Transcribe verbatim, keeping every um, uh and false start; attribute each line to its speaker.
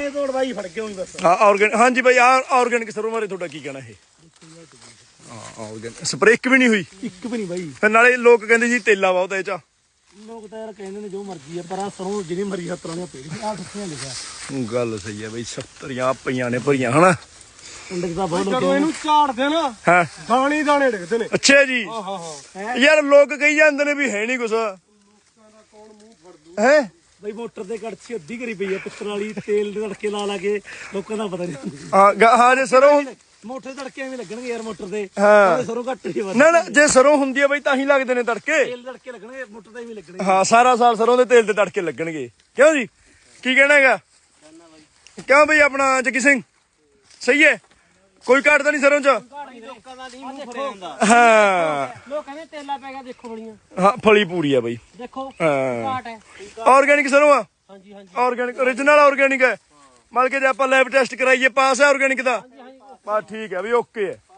Speaker 1: ਤੋੜੇ ਤੋੜ ਬਾਈ ਫੜ ਕੇ ਹੋਈ ਬਸ।
Speaker 2: ਹਾਂ ਆਰਗੈਨਿਕ, ਹਾਂਜੀ ਬਾਈ ਆ ਆਰਗੈਨਿਕ ਸਰੋਂ ਬਾਰੇ ਤੁਹਾਡਾ ਕੀ ਕਹਿਣਾ ਇਹ? ਹਾਂ ਆਰਗੈਨਿਕ ਸਪਰੇਅ ਇੱਕ ਵੀ ਨਹੀਂ ਹੋਈ?
Speaker 1: ਇੱਕ ਵੀ ਨਹੀਂ ਬਾਈ।
Speaker 2: ਫਿਰ ਨਾਲੇ ਲੋਕ ਕਹਿੰਦੇ ਜੀ ਤੇਲਾ ਬਹੁਤ ਇਹ ਚ।
Speaker 1: ਲੋਕ ਤਾਂ ਯਾਰ ਕਹਿੰਦੇ ਨੇ ਜੋ ਮਰਜ਼ੀ ਆ, ਪਰ ਆ ਸਰੋਂ ਜਿਹੜੀ ਮਰੀ ਹੱਥਾਂ ਦੀਆਂ ਪੇੜੀਆਂ ਆ ਕਿੱਥੇ ਲਿਖਿਆ।
Speaker 2: ਗੱਲ ਸਹੀ ਹੈ ਬਈ, ਸੱਤਰੀਆਂ ਪਈਆਂ ਨੇ ਭਰੀਆਂ ਹਨਾ।
Speaker 1: ਪਿੰਡ ਦਾ ਬਹੁਤ ਜਦੋਂ ਇਹਨੂੰ ਝਾੜਦੇ ਨਾ
Speaker 2: ਹਾਂ
Speaker 1: ਦਾਣੇ ਦਾਣੇ ਡਿੱਗਦੇ ਨੇ।
Speaker 2: ਅੱਛਾ ਜੀ।
Speaker 1: ਹਾਂ ਹਾਂ ਹਾਂ
Speaker 2: ਯਾਰ ਲੋਕ ਕਹੀ ਜਾਂਦੇ ਨੇ ਵੀ ਹੈ ਨਹੀਂ ਕੁਛ ਹੈ।
Speaker 1: ਬਈ ਮੋਟਰ ਤੇ ਕੜਛੀ ਅੱਧੀ ਕਰੀ ਪਈ ਆ ਪਿੱਤਲ ਵਾਲੀ, ਤੇਲ ਦੇ ਤੜਕੇ ਲਾ ਲਾ ਕੇ ਲੋਕਾਂ ਦਾ ਪਤਾ ਨਹੀਂ।
Speaker 2: ਹਾਂ ਗ- ਹਾਂ ਜੇ ਸਰੋਂ
Speaker 1: ਮੋਟਰ ਤੜਕੇ ਐਵੇਂ ਲੱਗਣਗੇ ਯਾਰ ਮੋਟਰ ਤੇ।
Speaker 2: ਹਾਂ
Speaker 1: ਸਰੋਂ ਘੱਟ ਹੀ ਵੱਧ।
Speaker 2: ਨਾ ਨਾ ਜੇ ਸਰੋਂ ਹੁੰਦੀ ਹੈ ਬਈ ਤਾਂ ਹੀ ਲੱਗਦੇ ਨੇ ਤੜਕੇ।
Speaker 1: ਤੇਲ ਤੜਕੇ ਲੱਗਣਗੇ ਮੋਟਰ ਤੇ ਵੀ ਲੱਗਣਗੇ।
Speaker 2: ਹਾਂ ਸਾਰਾ ਸਾਲ ਸਰੋਂ ਦੇ ਤੇਲ ਤੇ ਤੜਕੇ ਲੱਗਣਗੇ। ਕਿਉਂ ਜੀ ਕੀ ਕਹਿਣਾ ਹੈਗਾ? ਕਿਉਂ ਬਈ ਆਪਣਾ ਜੱਗੀ ਸਿੰਘ ਸਹੀ ਹੈ? ਕੋਈ ਘਾਟ ਤਾਂ ਨਹੀਂ ਸਰੋਂ ਚ?
Speaker 1: ਲੋਕਾਂ ਦਾ ਨਹੀਂ ਮੂੰਹ ਫੜਿਆ ਹੁੰਦਾ।
Speaker 2: ਹਾਂ
Speaker 1: ਲੋਕ ਕਹਿੰਦੇ ਤੇਲਾ ਪੈ ਗਿਆ ਦੇਖੋ ਬੜੀਆਂ।
Speaker 2: ਹਾਂ ਫਲੀ ਪੂਰੀ ਆ ਬਈ।
Speaker 1: ਦੇਖੋ
Speaker 2: ਹਾਂ
Speaker 1: ਘਾਟ ਹੈ।
Speaker 2: ਆਰਗੈਨਿਕ ਸਰੋਂ ਆ?
Speaker 1: ਹਾਂਜੀ ਹਾਂਜੀ
Speaker 2: ਆਰਗੈਨਿਕ ਓਰੀਜਨਲ ਆਰਗੈਨਿਕ ਹੈ। ਮਤਲਬ ਕਿ ਜੇ ਆਪਾਂ ਲੈਬ ਟੈਸਟ ਕਰਾਈਏ ਪਾਸ ਹੈ ਆਰਗੈਨਿਕ ਦਾ? ਬਸ ਠੀਕ ਹੈ ਵੀ ਓਕੇ ਹੈ।